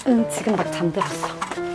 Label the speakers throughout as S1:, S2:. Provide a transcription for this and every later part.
S1: 응, 지금 막 잠들었어.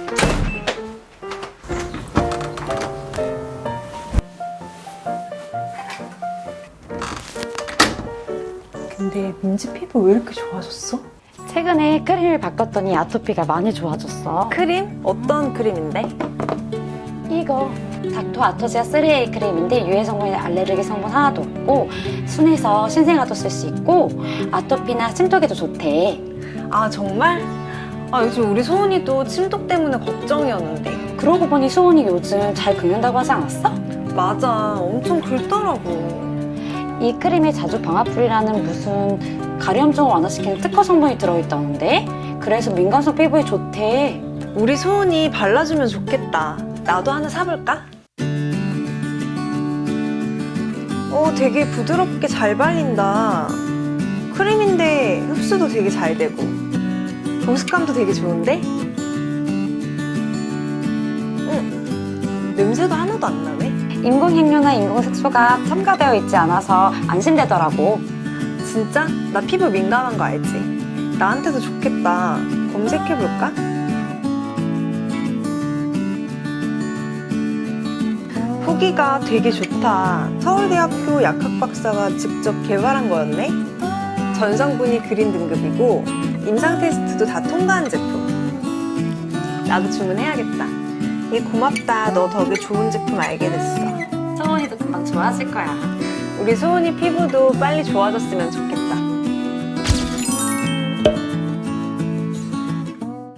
S2: 근데 민지 피부 왜 이렇게 좋아졌어?
S1: 최근에 크림을 바꿨더니 아토피가 많이 좋아졌어.
S2: 크림? 어떤 크림인데?
S1: 이거 닥터 아토지아 3A 크림인데 유해 성분이나 알레르기 성분 하나도 없고 순해서 신생아도 쓸 수 있고 아토피나 침독에도 좋대.
S2: 아 정말? 아 요즘 우리 소은이도 침독 때문에 걱정이었는데.
S1: 그러고 보니 수온이 요즘 잘 긁는다고 하지 않았어?
S2: 맞아, 엄청 긁더라고.
S1: 이 크림에 자주 방아풀이라는 무슨 가려움증을 완화시키는 특허 성분이 들어있다는데 그래서 민감성 피부에 좋대.
S2: 우리 소은이 발라주면 좋겠다. 나도 하나 사볼까? 되게 부드럽게 잘 발린다. 크림인데 흡수도 되게 잘 되고 보습감도 되게 좋은데? 냄새도 하나도 안 나네.
S1: 인공향료나 인공색소가 첨가되어 있지 않아서 안심되더라고.
S2: 진짜? 나 피부 민감한 거 알지? 나한테도 좋겠다. 검색해볼까? 후기가 되게 좋다. 서울대학교 약학 박사가 직접 개발한 거였네? 전성분이 그린 등급이고 임상 테스트도 다 통과한 제품. 나도 주문해야겠다. 고맙다. 너 덕에 좋은 제품 알게 됐어.
S1: 소원이도 금방 좋아질 거야.
S2: 우리 소은이 피부도 빨리 좋아졌으면 좋겠다.